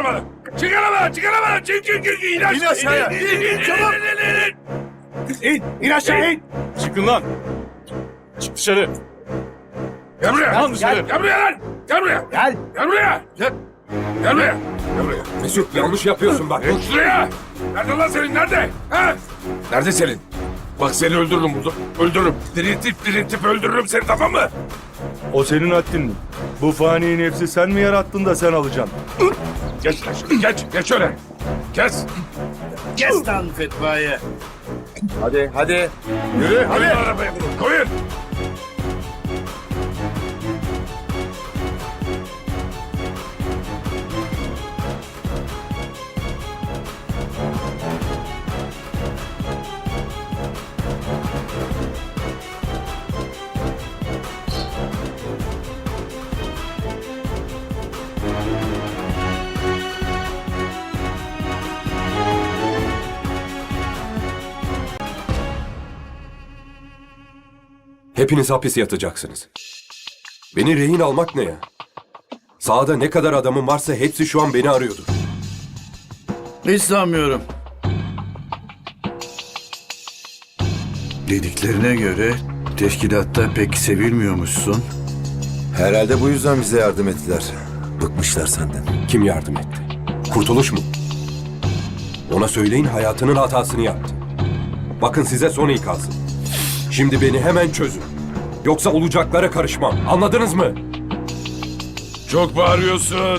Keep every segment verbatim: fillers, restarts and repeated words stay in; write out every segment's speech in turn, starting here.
arabanı. Çık arabanı, çık arabanı. Çık, çık, çık. İn aşağı. İn aşağıya. İn, in, İn, in, in, çabuk. in, in, in. İn, in aşağı in. Çıkın lan. Çık dışarı. Gel buraya. Lan dışarı. Gel buraya lan. Gel buraya. Gel. Gel buraya. Gel. Gel buraya. Gel buraya. Mesut yanlış yapıyorsun bak. Gel şuraya. Nerede lan Selin? Nerede? Ha? Nerede Selin? Bak seni öldürürüm burada. Öldürürüm. Diriltip diriltip öldürürüm seni, tamam mı? O senin haddin mi? Bu fani nefsi sen mi yarattın da sen alacaksın? Geç lan şuraya. Geç. Geç öyle. Kes. Kes lan fetvayı. Hadi hadi. Yürü. Hadi. Koyun arabaya bunu. Koyun. Hepiniz hapis yatacaksınız. Beni rehin almak ne ya? Sahada ne kadar adamım varsa hepsi şu an beni arıyordur. Hiç sanmıyorum. Dediklerine göre teşkilatta pek sevilmiyormuşsun. Herhalde bu yüzden bize yardım ettiler. Bıkmışlar senden. Kim yardım etti? Kurtuluş mu? Ona söyleyin hayatının hatasını yaptı. Bakın size son ikazım. Şimdi beni hemen çözün. Yoksa olacaklara karışmam. Anladınız mı? Çok bağırıyorsun.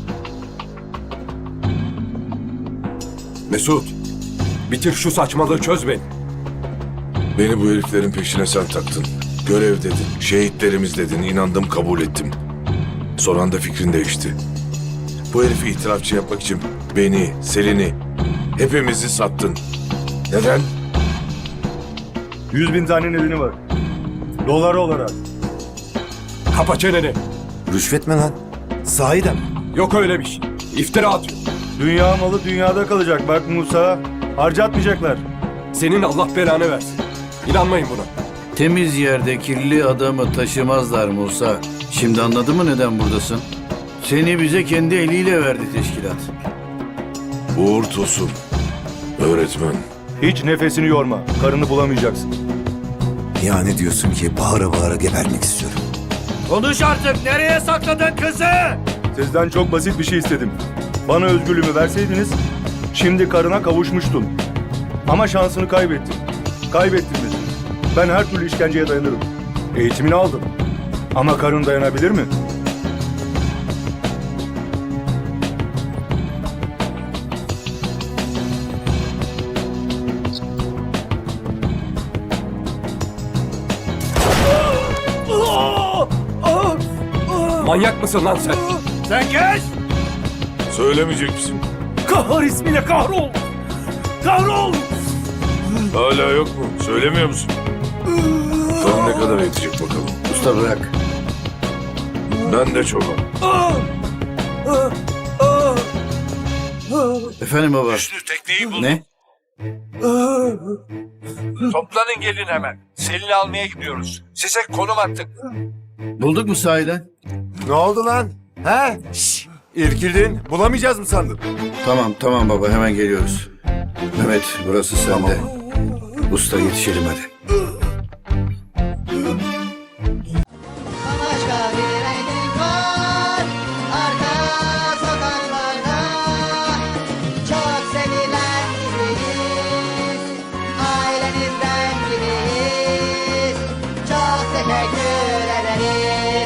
Mesut, bitir şu saçmalığı, çöz beni. Beni bu heriflerin peşine sen taktın. Görev dedin, şehitlerimiz dedin, inandım, kabul ettim. Son anda fikrin değişti. Bu herifi itirafçı yapmak için beni, Selin'i, hepimizi sattın. Neden? Yüz bin tane nedeni var. Dolar olarak. Kapa çeneni. Rüşvet mi lan? Sahiden mi? Yok öyle bir şey. İftira atıyor. Dünya malı dünyada kalacak. Bak Musa. Harcatmayacaklar. Senin Allah belanı versin. İnanmayın buna. Temiz yerde kirli adamı taşımazlar Musa. Şimdi anladın mı neden buradasın? Seni bize kendi eliyle verdi teşkilat. Uğur Tosun, öğretmen. Hiç nefesini yorma. Karını bulamayacaksın. Yani diyorsun ki bağıra bağıra gebermek istiyorum. Konuş artık. Nereye sakladın kızı? Sizden çok basit bir şey istedim. Bana özgürlüğümü verseydiniz şimdi karına kavuşmuştun. Ama şansını kaybettin. Kaybettin beni. Ben her türlü işkenceye dayanırım. Eğitimini aldım. Ama karın dayanabilir mi? Manyak mısın lan sen? Sen geç. Söylemeyecek misin? Kahar ismiyle kahrol! Kahrol! Hala yok mu? Söylemiyor musun? Son ne kadar yetecek bakalım. Usta bırak. Ben de çokum. Efendim baba. Hüsnü tekneyi bul. Ne? Toplanın gelin hemen. Selin'i almaya gidiyoruz. Size konum attık. Bulduk mu sahiden? Ne oldu lan? He? Şşş! İrkildin. Bulamayacağız mı sandın? Tamam tamam baba hemen geliyoruz. Mehmet burası sende. Usta yetişelim hadi.